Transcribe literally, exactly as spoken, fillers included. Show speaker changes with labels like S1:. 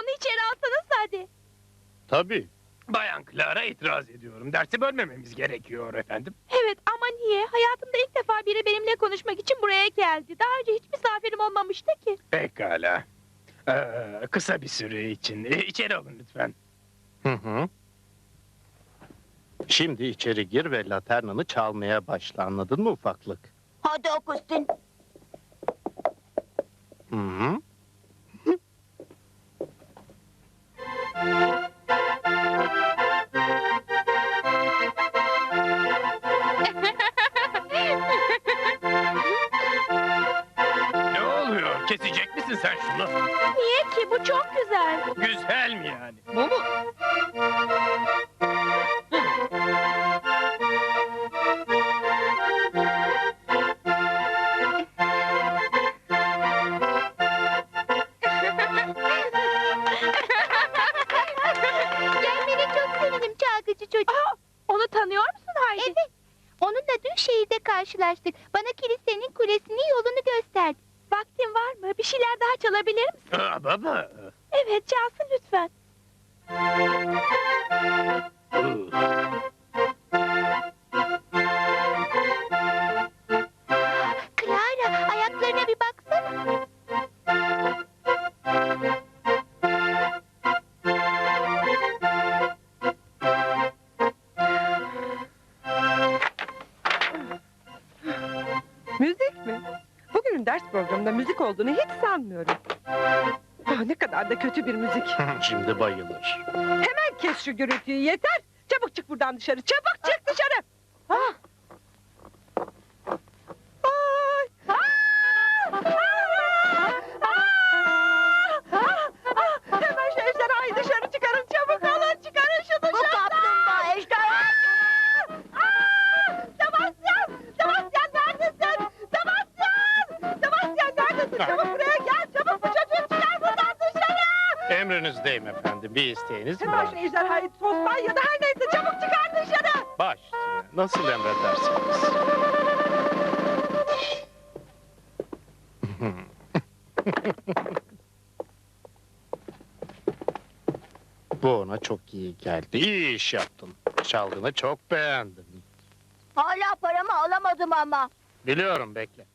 S1: Onu içeri alsanız hadi.
S2: Tabii.
S3: Bayan Clara, itiraz ediyorum. Dersi bölmememiz gerekiyor efendim.
S1: Evet ama niye? Hayatımda ilk defa biri benimle konuşmak için buraya geldi. Daha önce hiç misafirim olmamıştı ki.
S3: Pekala. Ee, kısa bir süre için. Ee, içeri alın lütfen.
S2: Hı hı. Şimdi içeri gir ve laternanı çalmaya başla, anladın mı ufaklık?
S4: Hadi Augustin.
S2: Hı hı.
S3: Ne oluyor? Kesecek misin sen şunu?
S1: Niye ki? Bu çok güzel.
S3: Güzel mi yani?
S1: Bu mu?
S4: Gelmene çok sevindim çalgıcı çocuk.
S1: Aa, onu tanıyor musun Haydi?
S4: Evet. Onunla dün şehirde karşılaştık. Bana kilisenin kulesinin yolunu gösterdi.
S1: Vaktin var mı? Bir şeyler daha çalabilir misin?
S3: Aa, baba.
S1: Evet, çalsın lütfen.
S4: Clara, ayaklarına bir baksana.
S5: Müzik mi? Bugünün ders programında müzik olduğunu hiç sanmıyorum. Ah, ne kadar da kötü bir müzik.
S2: Şimdi bayılır.
S5: Hemen kes şu gürültüyü, yeter. Çabuk çık buradan dışarı, çabuk çık dışarı. Ah. Ay. Ah! Ah! Ah! Ah! Hemen şu ejderhayı dışarı çıkarın, çabuk olun, çıkarın şu dışarı.
S4: Bu kaplumbağa ejderha.
S5: Aa! Sebastian! Sebastian neredesin? Sebastian! Sebastian neredesin? Çabuk buraya gel, çabuk bu çocuğu çıkar buradan dışarı!
S2: Emrinizdeyim efendim. Bir isteğiniz mi
S5: Hemen
S2: var?
S5: şu ejderhayı tostan ya da her neyse çabuk çıkar dışarı!
S2: Baş üstüne. Nasıl emredersiniz? Bu ona çok iyi geldi. İyi iş yaptın. Çaldığını çok beğendim.
S4: Hala paramı alamadım ama.
S2: Biliyorum, bekle.